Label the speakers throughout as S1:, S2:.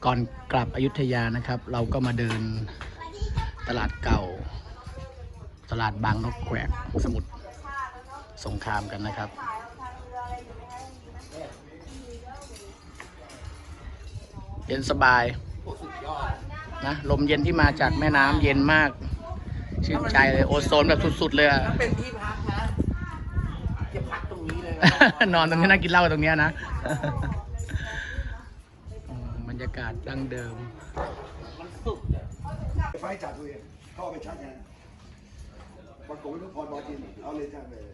S1: ก่อนกลับอยุธยานะครับ เราก็มาเดินตลาดเก่า ตลาดบางนกแขวกสมุทรสงครามกันนะครับเย็นสบายนะลมเย็นที่มาจากแม่น้ำเย็นมากชื่นใจเลยโอโซนแบบสุดๆเลยอะ
S2: เป็นที่พักนะจะพักตรงนี้เลย
S1: นอนตรงนี้นั่งกินเหล้าตรงนี้นะบรรยากาศดั้งเดิม
S2: มันสุก
S3: ไฟจัดเลยเข้าไปชัดไงบางคนไม่ต้องพรบอจินเอาเลยชัดเลย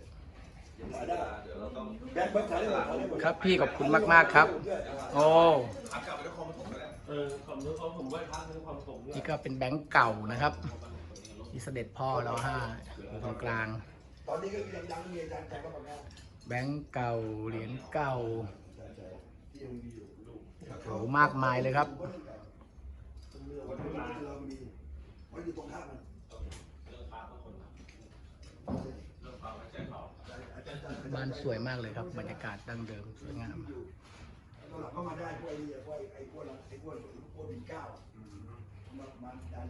S3: แบงค์เบิร์ดขายได้หมด
S1: ครับพี่ขอบคุณมากๆครับโอ้นี่ก็เป็นแบงค์เก่านะครับที่เสด็จพ่อเรา5อยู่ตรงกลาง
S3: ตอนนี้ก็ยังมีอาจารย์แต่ก็แบบนี้
S1: แบงค์เก่าเหรียญเก่าโหมากมายเลยครับบ้านสวยมากเลยครับบรรยากาศดั้งเดิมสวยงาม
S3: เข้ามาได้พวกไอ้พวกบินเก้ามาดัน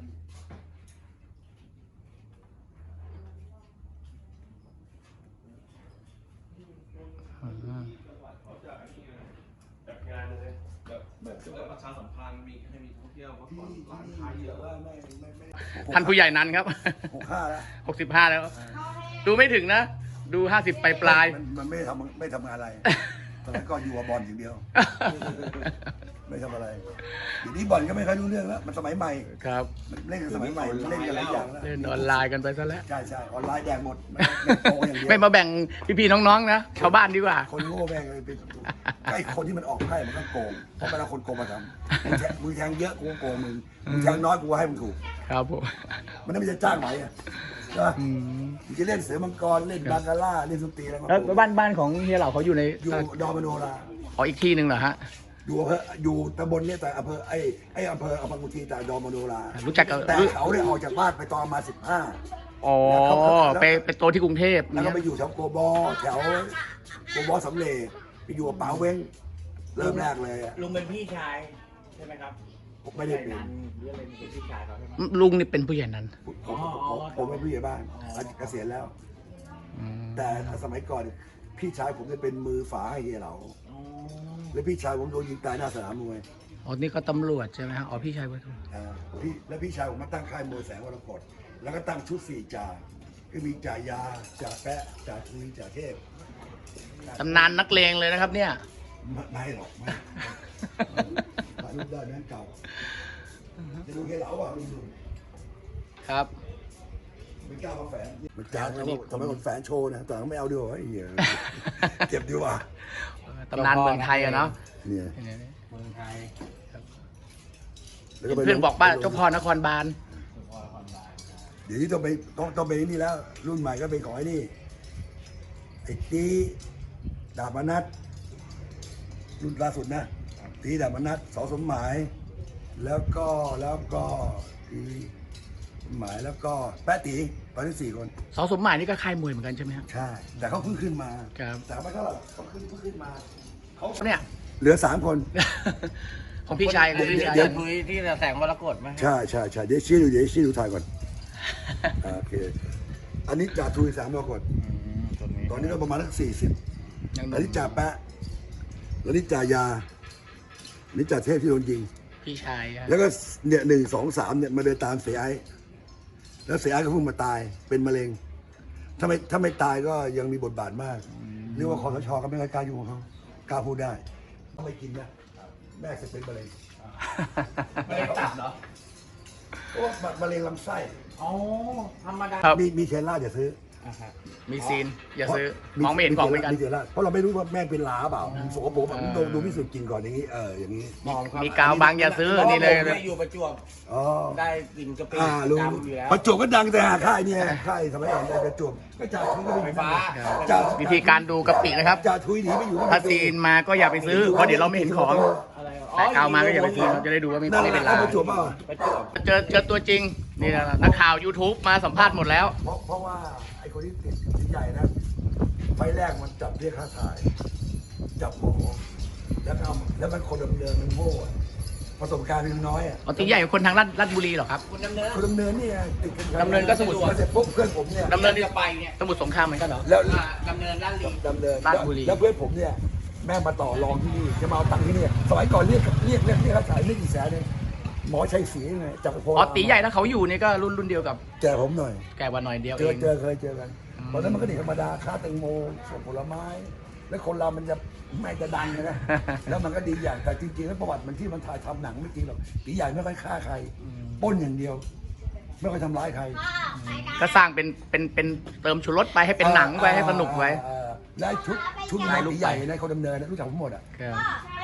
S4: แบบประชาสัมพันธ์มีให้มีท่องเที่ยวพักผ่อนร้านค้าเยอะว่า
S1: ท่านผู้ใหญ่นั้นครับ65แล้วดูไม่ถึงนะดู50ปลาย
S3: มันไม่ทำงานอะไรตอนนั้นก็อยู่กับบอลอย่างเดียวไม่ทำอะไรเดี๋ยวนี้บอลก็ไม่ค่อยรู้เรื่องแล้วมันสมัยใหม่
S1: ครับ
S3: เล่นกันสมัยใหม่เล่นกันหลายอย่างแล้ว
S1: เล่นออนไลน์กันไปซะแล้ว
S3: ใช่ออนไลน์แดงหมด
S1: ไม่มาแบ่งพี่ๆน้องๆนะชาวบ้านดีกว่า
S3: คนโง่แบ่งเลยเป็นไอ้คนที่มันออกไพ่มันก็โกงเพราะเวลาคนโกงมาทำมือแทงเยอะกูโกงมึงแทงน้อยกูให้มึงถูก
S1: ครับผม
S3: มันไม่จะจ้างไหมอ่ะใช่ไหมจะเล่นเสือมังกรเล่นบาคาร่าเล่นสุนทรีอะไร
S1: แล้วบ้านของเฮียเหล่าเขาอยู่ใน
S3: ดอมโนรา
S1: อ๋ออีกที่หนึ่งเหรอฮะ
S3: อยู่ตำบลนี้แต่อำเภออำเภอกุชีแต่ดอมโนรา
S1: รู้จัก
S3: แต่เขาได้ออกจากบ้านไปตอนมา15
S1: อ๋อไปโตที่กรุงเทพ
S3: แล้วก็ไปอยู่แถวโกบอแถวโกบอสำเร็จไปอยู่กับป๋าเว้งเริ่มแรกเลย
S2: ลุงเป็นพี่ชายใช่ไหมครับ
S3: ไม่ได้เป็น
S2: เรื่องเป็นพี่ชายเขาใช่ไหม
S1: ลุงนี่เป็นผู้ใหญ่นั้น
S3: ผมเป็นผู้ใหญ่บ้านเกษียณแล้วแต่สมัยก่อนพี่ชายผมจะเป็นมือฝาให้เฮียเหลาแล้วพี่ชายผมโดนยิงตายหน้าสนามมวย
S1: อ๋อนี่ก็ตำรวจใช่ไหมฮะอ๋อพี่ชายว่า
S3: แล้วพี่ชายผมมาตั้งค่ายมวยแสงวรกฏแล้วก็ตั้งชุด4 จ่าก็มีจ่ายาจ่าแปะจ่าทุยจ่าเทพ
S1: ตำนานนักเลงเลยนะครับเนี่ย
S3: ไม่หรอกไม่รูปได้แม่งเก่าจะดูเฮียเหลาอ่ะดู
S1: ครับ
S3: ไม่กล้ามาแฝงมันจ้างแล้วทำไมคนแฝงโชว์นะแต่ไม่เอาดีกว่าเหี้ยเจ็บดีกว่า
S1: ตำนานเมืองไทยอะเนาะ
S3: เนี่ย
S2: เมืองไทย
S1: เพื่อนบอกว่าเจ้าพ่อนครบาล
S3: เดี๋ยวนี้ต้องไปนี่แล้วรุ่นใหม่ก็เป็นของไอ้นี่ไอ้ตีดาบมนัสรุ่นล่าสุดนะตีดาบมนัสส.สมหมายแล้วก็ตีหมายแล้วก็แป๊ะตีตอนนี้4 คน
S1: ส.สมหมายนี่ก็ค่ายมวยเหมือนกันใช่ไหมครับ
S3: ใช่แต่เขาเพิ่งขึ้นมา
S1: ครับ
S3: แต่ไม่เท่าไหร่เขาเพิ่งขึ้นมา
S1: เขาเนี่ย
S3: เหลือ3 คน
S1: ของพี่ชายของพี่ชาย
S2: คุยที่แสงมรกตไหม
S3: ใช่เดี๋ยวชี้ดูถ่ายก่อนโอเคอันนี้จ่าทุยแสงมรกตตอนนี้ก็ประมาณสัก40อันนี้จ่าแปะแล้วนี่จ่ายานี่จ่าเทพที่โดนยิง
S1: พี่ชาย
S3: แล้วก็เนี่ย1 2 3เนี่ยมาเดินตามเสียไอ้แล้วเสียไอ้ก็เพิ่งมาตายเป็นมะเร็งถ้าไม่ตายก็ยังมีบทบาทมากเรียกว่าคสช.ก็ไม่กล้ายุ่งกับเขากล้าพูดได้ต้องไม่กินนะแม่จะเป็นมะเร็ง
S2: ไม่ได้ตัดเหรอ
S3: โอ้มะเร็งลำไส้
S2: อ๋อธรรมดา
S3: มีเทล่าอย่าซื้อ
S1: มีซีนอย่าซื้อมองไม่เห็นของเหมือนกัน
S3: เพราะเราไม่รู้ว่าแม่เป็นลาเปล่าสกปรกดูพิสูจน์กินก่อนอย่างนี้อย่างนี้
S1: มีกาวบางอย่าซื้อนี่เลย
S2: อยู่ประจวบได้กินกะปิดำอยู่แล้ว
S3: ประจวบก็ดังแต่ค่ายเนี่ยค่ายสมัยก่อนประจวบก็จ่าทุยก็
S2: ไฟฟ้า
S1: วิธีการดูกะปินะครับ
S3: จ่าทุยหนีไปอยู่
S1: ถ้าซีนมาก็อย่าไปซื้อเพราะเดี๋ยวเราไม่เห็นของแต่กาวมาก็อย่าไปซื้อเราจะได้ดูว่าไม่เป็นลา
S3: ประจวบเปล่า
S1: เจอตัวจริงนี่แหละนักข่าว YouTube มาสัมภาษณ์หมดแล้ว
S3: เพราะว่าไอ้คนที่ติดใหญ่นะไฟแรกมันจับเรียกค่าถ่ายจับหมอแล้วมันคนดำเนินมันโง่ไฟประสบการณ์ยังน้อยอ่ะ
S1: อ๋อตีใหญ่กว่าคนทางราชบุรีเหรอครับ
S2: คุณดำเนิน
S3: คนดำเนินนี่ไงติดกัน
S1: ดำเนินก็สมุทร
S3: เสร็จปุ๊บเพื่อนผมเนี่ย
S1: ดำเนิน
S2: จะไปเนี่ย
S1: สมุทรสงครามเหมือนกันเหรอ
S3: แล้ว
S2: ดำเนินด้านลี
S3: ดำเนิน
S1: ราชบุรี
S3: แล้วเพื่อนผมเนี่ยแม่งมาต่อรองที่นี่จะมาเอาตังค์ที่นี่สมัยก่อนเรียกค่าขายไม่กี่แสนเลยหมอชัยศรีไงจากโพ
S1: อ๋อตีใหญ่ถ้าเขาอยู่นี่ก็รุ่นเดียวกับ
S3: แจกผมหน่อย
S1: แกกว่าหน่อยเดียว
S3: เค
S1: เอย ง
S3: เคยเจอกันตอนนั้นมันก็เด็กธรรมดาค้าแตงโมส่งผลไม้ แล้วคนเรามันจะไม่จะดังนะ แล้วมันก็ดีอย่างแต่จริงๆแล้วประวัติมันที่มันถ่ายทำหนังไม่จริงหรอกตีใหญ่ไม่ค่อยฆ่าใครปล้นอย่างเดียว ไม่ค่อยทำร้ายใคร
S1: ก็สร้างเป็นเติมชูรสไปให้เป็นหนังไปให้สนุกไว้
S3: และชุดนายตีใหญ่ในคนดำเนินนะรู้จักผมหมดอ่ะ
S1: ครับ